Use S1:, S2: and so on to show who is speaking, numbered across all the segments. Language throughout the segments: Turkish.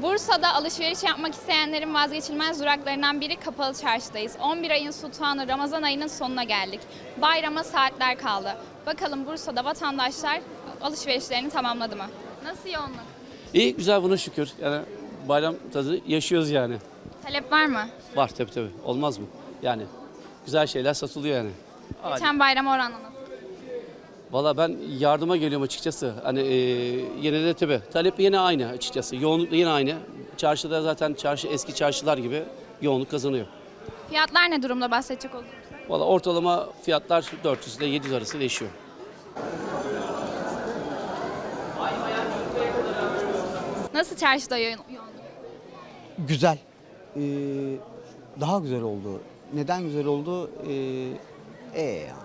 S1: Bursa'da alışveriş yapmak isteyenlerin vazgeçilmez duraklarından biri Kapalı Çarşı'dayız. 11 ayın sultanı Ramazan ayının sonuna geldik. Bayrama saatler kaldı. Bakalım Bursa'da vatandaşlar alışverişlerini tamamladı mı? Nasıl yoğunluk?
S2: İyi, güzel, buna şükür. Yani bayram tadı yaşıyoruz yani.
S1: Talep var mı?
S2: Var tabii. Olmaz mı? Yani güzel şeyler satılıyor yani.
S1: Geçen bayram oranla nasıl?
S2: Valla ben yardıma geliyorum açıkçası. Hani yine de tabii talep yine aynı açıkçası. Yoğunluk da yine aynı. Çarşıda zaten eski çarşılar gibi yoğunluk kazanıyor.
S1: Fiyatlar ne durumda bahsedecek olursak?
S2: Valla ortalama fiyatlar 400 ile 700 arası değişiyor.
S1: Nasıl çarşıda yoğunluk?
S3: Güzel. Daha güzel oldu. Neden güzel oldu? Yani.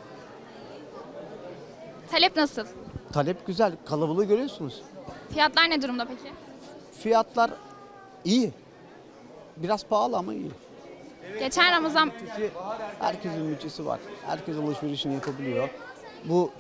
S1: Talep nasıl?
S3: Talep güzel. Kalabalığı görüyorsunuz.
S1: Fiyatlar ne durumda peki?
S3: Fiyatlar iyi. Biraz pahalı ama iyi.
S1: Geçen Ramazan
S3: Herkesin bütçesi var. Herkes alışverişini yapabiliyor. Bu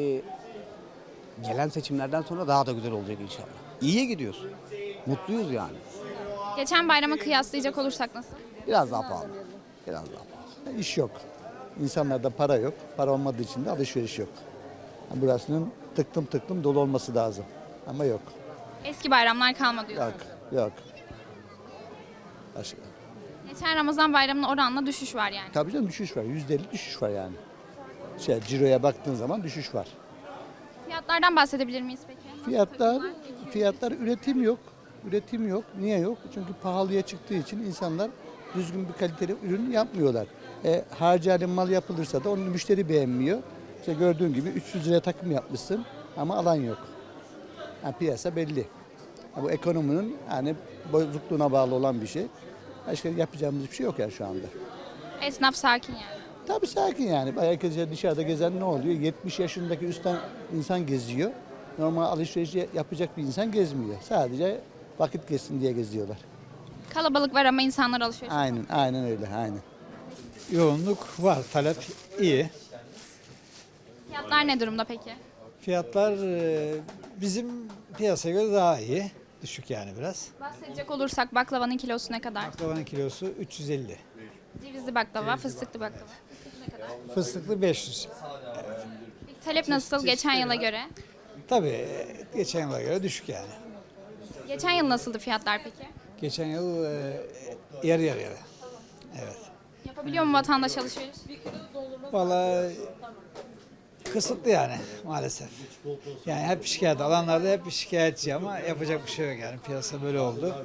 S3: gelen seçimlerden sonra daha da güzel olacak inşallah. İyiye gidiyoruz. Mutluyuz yani.
S1: geçen bayrama kıyaslayacak olursak nasıl?
S3: Biraz daha pahalı. Biraz daha pahalı.
S4: İş yok. İnsanlarda para yok. Para olmadığı için de alışveriş yok. Burasının tıklım dolu olması lazım. Ama yok.
S1: Eski bayramlar kalmadı diyorsun.
S4: Yok. Başka.
S1: Geçen Ramazan bayramına oranla düşüş var yani.
S4: Tabii canım düşüş var. %50 düşüş var yani. Ciro'ya baktığın zaman düşüş var.
S1: Fiyatlardan bahsedebilir miyiz peki?
S4: Fiyatlar üretim yok. Niye yok? Çünkü pahalıya çıktığı için insanlar düzgün bir kaliteli ürün yapmıyorlar. Harcayalım mal yapılırsa da onu müşteri beğenmiyor. İşte gördüğün gibi 300 liraya takım yapmışsın ama alan yok. Yani piyasa belli. Bu ekonominin yani bozukluğuna bağlı olan bir şey. Başka yapacağımız bir şey yok yani şu anda.
S1: Esnaf sakin yani.
S4: Tabii sakin yani. Herkes dışarıda gezen ne oluyor? 70 yaşındaki üstten insan geziyor. Normal alışveriş yapacak bir insan gezmiyor. Sadece vakit geçsin diye geziyorlar.
S1: Kalabalık var ama insanlar alışveriş.
S4: Aynen öyle.
S5: Yoğunluk var, talep iyi.
S1: Fiyatlar ne durumda peki?
S5: Fiyatlar bizim piyasaya göre daha iyi. Düşük yani biraz.
S1: Bahsedecek olursak baklavanın kilosu ne kadar?
S5: Baklavanın kilosu 350.
S1: Cevizli baklava, fıstıklı baklava.
S5: Fıstıklı 500.
S1: Peki talep nasıl geçen yıla göre?
S5: Tabii geçen yıla göre düşük yani.
S1: Geçen yıl nasıldı fiyatlar peki?
S5: Geçen yıl yarı yarıya. Evet.
S1: Yapabiliyor mu vatandaş alışveriş?
S5: Vallahi kısıtlı yani maalesef. Yani hep şikayet, alanlarda hep şikayetçi ama yapacak bir şey yok yani. Piyasa böyle oldu.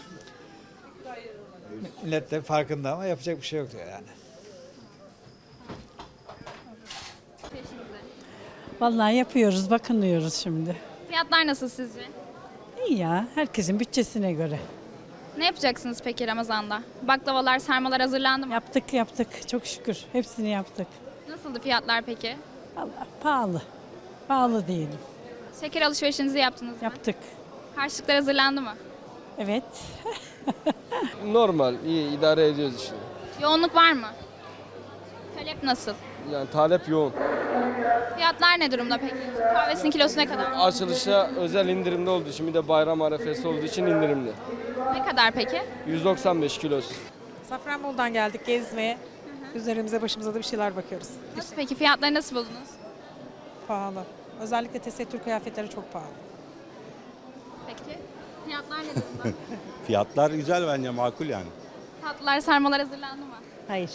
S5: Millet de farkında ama yapacak bir şey yok diyor yani.
S6: Vallahi yapıyoruz, bakınıyoruz şimdi.
S1: Fiyatlar nasıl sizce?
S6: İyi ya, herkesin bütçesine göre.
S1: Ne yapacaksınız peki Ramazan'da? Baklavalar, sarmalar hazırlandı mı?
S6: Yaptık, çok şükür. Hepsini yaptık.
S1: Nasıldı fiyatlar peki?
S6: Vallahi pahalı. Pahalı diyelim.
S1: Şeker alışverişinizi yaptınız mı?
S6: Yaptık.
S1: Harçlıklar hazırlandı mı?
S6: Evet.
S7: Normal, iyi idare ediyoruz işte.
S1: Yoğunluk var mı? Talep nasıl?
S7: Yani talep yoğun.
S1: Fiyatlar ne durumda peki? Kahvesinin kilosu ne kadar?
S7: Açılışta özel indirimde olduğu için bir de bayram arefesi olduğu için indirimli.
S1: Ne kadar peki?
S7: 195 kilosu.
S8: Safranbolu'dan geldik gezmeye. Üzerimize başımıza da bir şeyler bakıyoruz.
S1: Nasıl peki? Fiyatları nasıl buldunuz?
S8: Pahalı. Özellikle tesettür kıyafetleri çok pahalı.
S1: Peki. Fiyatlar ne durumda?
S9: Fiyatlar güzel bence, makul yani.
S1: Tatlılar, sarmalar hazırlandı mı?
S6: Hayır.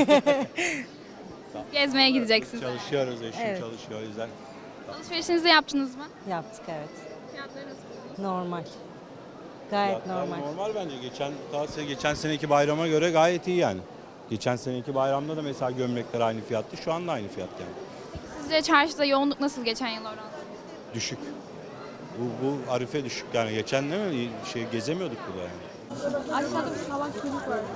S1: Gezmeye gideceksiniz.
S9: Çalışıyoruz, eşim
S6: Evet.
S9: çalışıyor o yüzden.
S1: Alışverişinizi yaptınız mı?
S6: Yaptık evet.
S1: Fiyatları nasıl buldunuz?
S6: Normal. Gayet
S9: Fiyatlar
S6: normal.
S9: normal bence. Geçen seneki bayrama göre gayet iyi yani. Geçen seneki bayramda da mesela gömlekler aynı fiyattı. Şu anda aynı fiyat yani.
S1: Sizce çarşıda yoğunluk nasıl geçen yıl oranla?
S9: Düşük. Bu arife düşük yani. Geçen değil mi? Gezemiyorduk burada yani.
S1: Aşağıda bir salak çocuk var.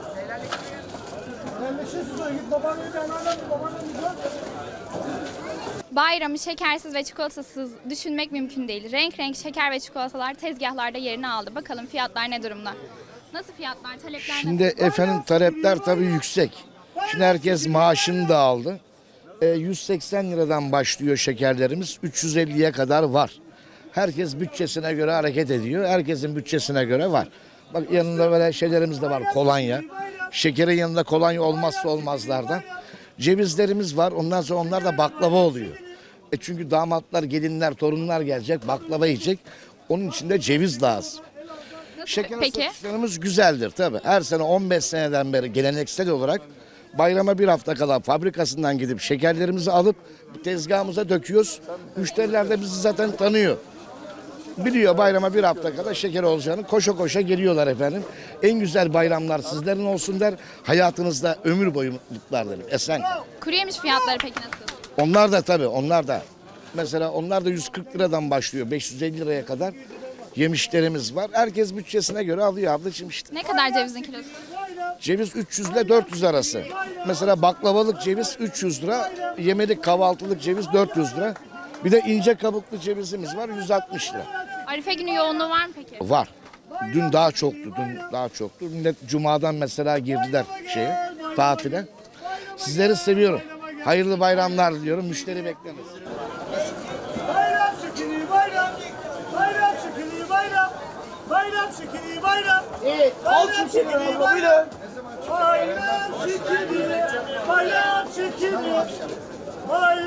S1: Bayramı şekersiz ve çikolatasız düşünmek mümkün değil. Renk renk şeker ve çikolatalar tezgahlarda yerini aldı. Bakalım fiyatlar ne durumda? Nasıl fiyatlar, talepler
S10: Şimdi
S1: nasıl?
S10: efendim talepler tabii yüksek. Şimdi herkes maaşını da aldı. 180 liradan başlıyor şekerlerimiz. 350'ye kadar var. Herkes bütçesine göre hareket ediyor. Herkesin bütçesine göre var. Bak yanında böyle şeylerimiz de var. Kolonya. Şekerin yanında kolonya olmazsa olmazlardan. Cevizlerimiz var. Ondan sonra onlar da baklava oluyor. Çünkü damatlar, gelinler, torunlar gelecek. Baklava yiyecek. Onun için de ceviz lazım. Şeker
S1: Peki.
S10: satışlarımız güzeldir tabii. Her sene 15 seneden beri geleneksel olarak bayrama bir hafta kala fabrikasından gidip şekerlerimizi alıp tezgahımıza döküyoruz. Müşteriler de bizi zaten tanıyor. Biliyor bayrama bir hafta kala şeker olacağını, koşa koşa geliyorlar efendim. En güzel bayramlar sizlerin olsun der. Hayatınızda ömür boyu mutluluklar derim. Esen.
S1: Kuru yemiş fiyatları peki nasıl?
S10: Onlar da tabii onlar da. Mesela onlar da 140 liradan başlıyor 550 liraya kadar yemişlerimiz var. Herkes bütçesine göre alıyor ablacığım işte.
S1: Ne kadar cevizin kilosu?
S10: Ceviz 300 ile 400 arası. Mesela baklavalık ceviz 300 lira, yemelik kahvaltılık ceviz 400 lira. Bir de ince kabuklu cevizimiz var 160 lira.
S1: Arife günü yoğunluğu var mı peki?
S10: Var. Dün daha çoktu. Millet cumadan mesela girdiler tatile. Sizleri seviyorum. Hayırlı bayramlar diliyorum. Müşteri bekleriz.
S11: Bayram şekeri bayram. Bayram şekeri bayram. Bayram şekeri bayram.
S3: Evet, al şu şekeri buyurun.
S11: Bayram şekeri. Bayram şekeri. Bayram